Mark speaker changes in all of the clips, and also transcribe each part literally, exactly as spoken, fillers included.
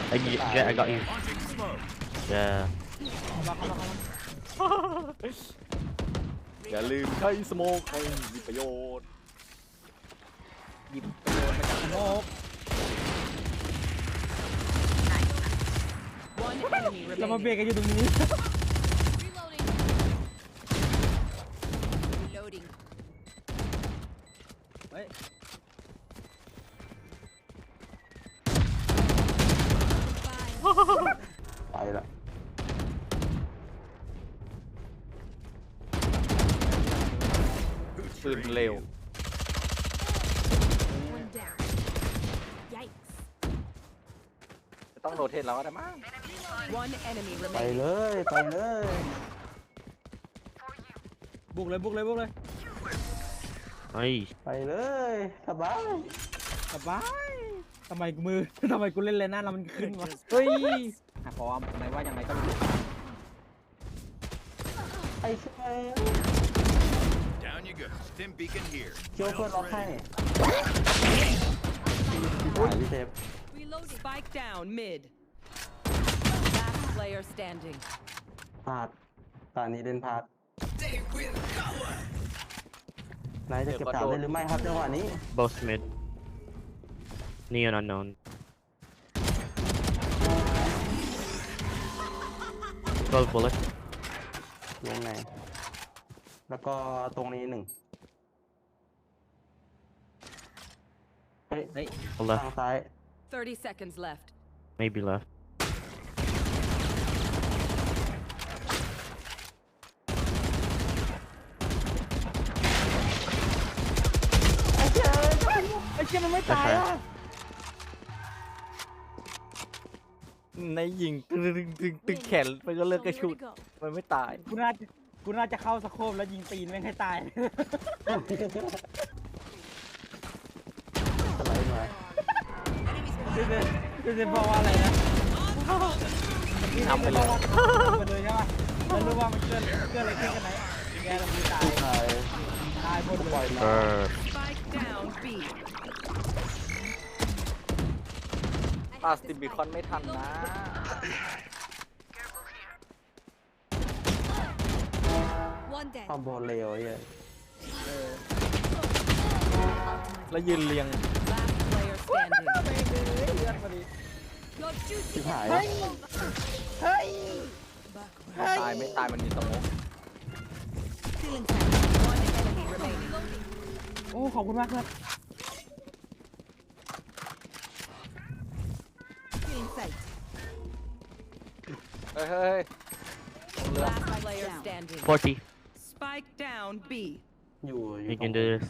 Speaker 1: I yeah I got you yeah
Speaker 2: อย่าลืมใช้สโมกให้มีประโยชน์หยิบประโยชน์มาจากสโมก
Speaker 3: เรามาเบรกกันอยู่ตรงนี้
Speaker 4: Reloading.
Speaker 3: เฮ้ย
Speaker 5: ไปละ
Speaker 2: ปืนเร็ว
Speaker 4: One down. Yikes.
Speaker 2: จะต้องโรเทตเราก็ได้มั้ง
Speaker 4: One enemy
Speaker 5: ไป
Speaker 4: remaining.
Speaker 5: เลยไปเลย
Speaker 3: บุกเลยบุกเลยบุกเลย
Speaker 1: nice
Speaker 5: ไปเลยสบาย
Speaker 3: สบายทำไมกูมือ ทำไมกูเล่นเลยหน้าแล้วมันขึ้นวะ
Speaker 2: เฮ้ยอ่ะพร้อมไหนว่ายังไงก็ไม่รู้
Speaker 5: ไอ้เชี่ย
Speaker 6: Down you go. Stim beacon here.
Speaker 5: เชียวเพื่อนล็อกให้หายพี่เทป
Speaker 4: Reloading. Spike down mid. Last player standing.
Speaker 5: พลาดตอนนี้เล่นพลาดนายจะเก็บสามได้หรือไม่ครับจังหวะนี้
Speaker 1: both mid neon unknown twelve bullet
Speaker 5: วงไหนแล้วก็ตรงนี้หนึ่งเฮ้ย
Speaker 3: เฮ้ย
Speaker 1: left
Speaker 5: ทางซ้าย
Speaker 4: Thirty seconds left.
Speaker 1: maybe left
Speaker 3: ไอ้เชี่ยมันไม่ตายอ่ะ
Speaker 2: ในยิงตึงตึงตึงตึงแขนมันก็เลิกกระชุดมันไม่ตาย
Speaker 3: กูน่าจะกูน่าจะเข้าสโคปแล้วยิงตีนแม่งให้ตาย
Speaker 5: สไลด์มา
Speaker 3: เดี๋ยวเดี๋ยวเดี๋ยวบอกว่าอะไรนะ
Speaker 2: ทำไปเลย
Speaker 3: ไปเลยใช่ป่ะแล้วรู้ว่ามันเกิดเกิดอะไรขึ้นกันไหนแกเราไม่ตาย
Speaker 5: ตาย
Speaker 3: ตายหมดเลย
Speaker 1: เออ
Speaker 4: Spike down B.
Speaker 2: ปาสติบิคอนไม่ทันนะ
Speaker 4: One dead.
Speaker 5: คอมโบเลวไอ้เหี้ย
Speaker 2: แล้วยืนเรียง
Speaker 4: Last player standing.
Speaker 3: เลือดพอดี
Speaker 4: Your
Speaker 5: ชิบ
Speaker 4: duty.
Speaker 5: หาย
Speaker 3: เฮ้ย เฮ้ย
Speaker 2: ตายไม่ตายมันมีสโมก
Speaker 4: Feeling tight. One enemy remaining.
Speaker 3: โอ้ ขอบคุณมากครับ
Speaker 4: Feeling sight.
Speaker 2: เฮ้ยเฮ้ย
Speaker 4: Last player standing.
Speaker 1: forty
Speaker 4: Spike down B.
Speaker 5: อยู่อยู่
Speaker 1: you can do this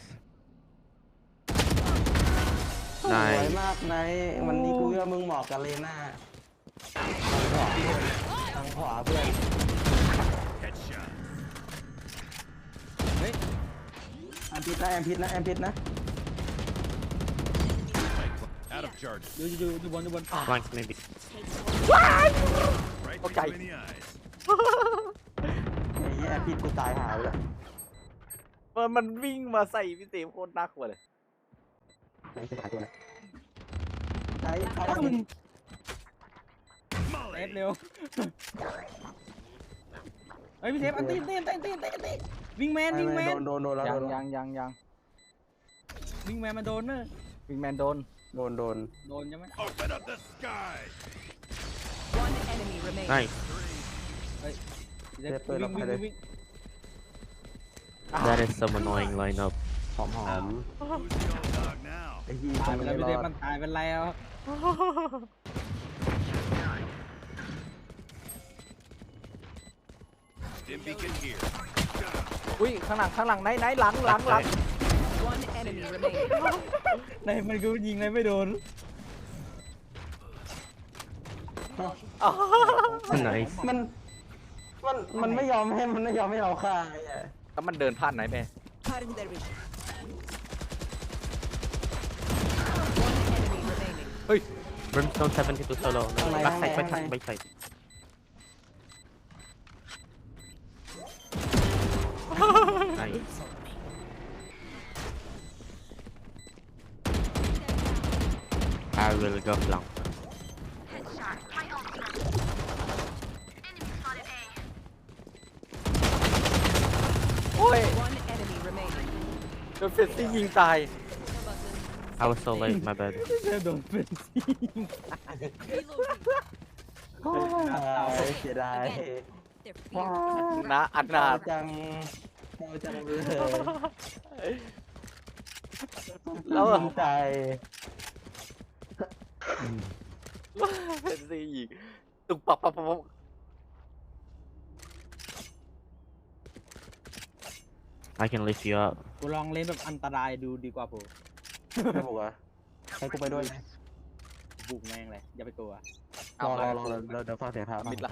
Speaker 5: สวย
Speaker 1: nice
Speaker 5: มากนายวันนี้กูว่ามึงเหมาะกับเลน่าทางขวาเพื่อน
Speaker 6: Headshot.
Speaker 5: แอมพิษนะแอมพิษนะแอมพิษนะ
Speaker 6: Out of charges.
Speaker 3: ดูดูดูบอลดูบอล
Speaker 1: flank maybe
Speaker 6: Right
Speaker 2: Okay.
Speaker 6: between the eyes.
Speaker 5: ไอ้เหี้ยแอมพิษกูตายหายไปแล้ว
Speaker 2: มันมันวิ่งมาใส่พี่เต๋โคตรน่ากลัวเลย
Speaker 5: ไหนจะหายตัวไหนใช้ใช้
Speaker 3: ถ้ามึงเอฟเร็ว เฮ้ยพี่เทปอันตีนตีนตีนตีนตีนตีนวิ่งแมนวิ่งแมน
Speaker 5: โดนโดนโดนแล้ว
Speaker 2: ยั
Speaker 5: โด
Speaker 2: ง
Speaker 5: น
Speaker 2: ยังยังยัง
Speaker 3: วิ่งแมนมาโดนเนอะ
Speaker 2: วิงแมนโดน
Speaker 5: โดนโดน
Speaker 3: โดนใช่ไหม
Speaker 6: Open up the sky.
Speaker 4: One enemy remaining.
Speaker 1: nice
Speaker 3: เดี๋ยววิ่งวิ่งวิ่งวิ่ง
Speaker 1: that is some annoying lineup
Speaker 5: หอมหอม
Speaker 6: Who's the old dog now?
Speaker 5: ไอ้ยี่
Speaker 3: ตายไป
Speaker 5: ไม่
Speaker 3: แล้วพี่
Speaker 5: ร
Speaker 3: เท
Speaker 5: อ
Speaker 3: ป
Speaker 5: ด
Speaker 3: มันตายเป็นไรแล้ว
Speaker 6: Stim beacon here.
Speaker 2: อุ้ยข้างหลังข้างหลังไหนไหนหลังหลังหลัง
Speaker 4: One enemy remaining.
Speaker 3: ในมันกูยิงเลยไม่โดน
Speaker 1: nice
Speaker 5: มันมันมันไม่ยอมให้มันไม่ยอมให้เราฆ่าไอ้เหี้ย
Speaker 2: แล้วมันเดินผ่านไหนแม่
Speaker 4: Cutting their vision. One enemy remaining.
Speaker 2: เฮ้ย
Speaker 1: brimstone seventy-two solo back side back side back side nice I will go flank
Speaker 2: โอ้ย
Speaker 4: One enemy remaining.
Speaker 2: โดนเฟสซี่ยิงตาย
Speaker 1: I was so late my bad
Speaker 3: โดนเป็นซี่
Speaker 5: โอ้ยเสียดายว้า
Speaker 2: นะอันนา
Speaker 5: เศร้าจังเศร้าจังเลย
Speaker 2: แล้ว
Speaker 5: ภูมิใจ
Speaker 2: เฟสซี่ยิงตุกปักปักปักปัก
Speaker 1: I can lift you up
Speaker 3: กูลองเล่นแบบอันตรายดูดีกว่าผม
Speaker 5: ไม่บอกว่าให้กูไปด้วยไหม
Speaker 3: บุกแม่งเลยอย่าไปกลัว
Speaker 5: รอรอรอรอเดี๋ยวฟังเสียงเท้า
Speaker 2: มิดละ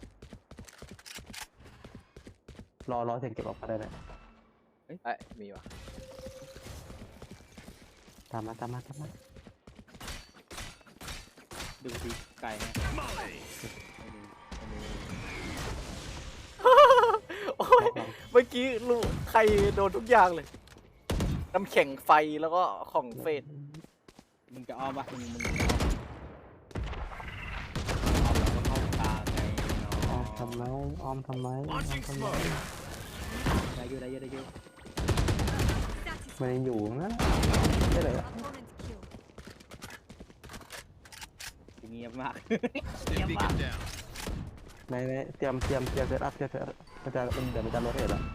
Speaker 5: รอรอเสียงเก็บออกมาได้เลย
Speaker 2: เอ้ยมีวะ
Speaker 5: ตามมาตามมาตามมา
Speaker 3: ดูทีไก่ไหม
Speaker 6: Molly.
Speaker 2: โอ้ยเมื่อกี้ลูกใครโดนทุกอย่างเลย น้ำแข็งไฟแล้วก็ของเฟส
Speaker 3: มึงจะอ้อมปะมึงมึงจะอ้อมอ้อมแล้วก็เข้าตาไง
Speaker 5: อ้อมทำไมอ้อมทำไมอ้อม
Speaker 6: Launching
Speaker 5: ทำไม
Speaker 6: smoke.
Speaker 3: ได้อยู่ได้อยู่ได้อยู่
Speaker 5: มันยังอยู่นะได้เลย
Speaker 3: เงียบมาก
Speaker 6: Stim beacon down.
Speaker 5: ในในเตรียมเตรียมเตรียมเซตอัพเตรียมเซตอัพมันจะมันเดี๋ยวมันจะโรเตทแล้ว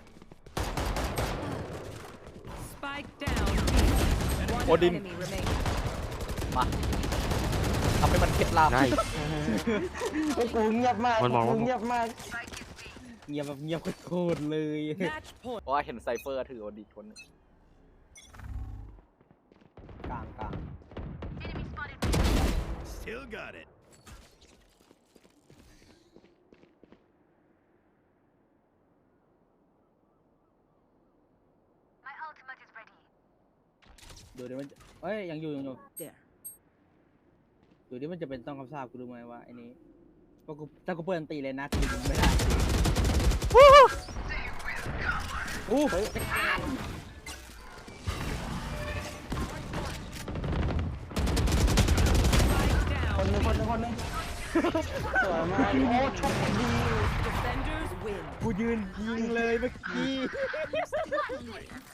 Speaker 4: Spike down. One
Speaker 2: Odin.
Speaker 4: enemy remaining.
Speaker 2: มาทำให้มันเคล็ดลับ
Speaker 1: Nice
Speaker 5: ไอ้กูเงียบมาก
Speaker 1: มันมอง
Speaker 5: กูเงียบมาก
Speaker 3: เงียบแบบเงียบโคตรเลย
Speaker 4: Match point.
Speaker 2: เพราะว่าเห็นไซเฟอร์ถือโอดีคนหนึ่ง
Speaker 3: กลางกลาง
Speaker 6: Still got it.
Speaker 3: ดูดิมันจะเอ้ยยังอยู่ยังอยู่
Speaker 4: There.
Speaker 3: ดูดิมันจะเป็นต้องคำสาปกูรู้ไหมว่าไอ้นี้เพราะกูถ้ากูเปิดอันตีเลยนะทีมึงไม่ได้อู้เฮ้ย
Speaker 4: Spike
Speaker 5: คนห
Speaker 4: down.
Speaker 5: นึงคนหนึงคนหนึงสวยมากโอ้ชกดี
Speaker 4: Defenders win.
Speaker 3: กูยืนยิงเลยเมื่อกี้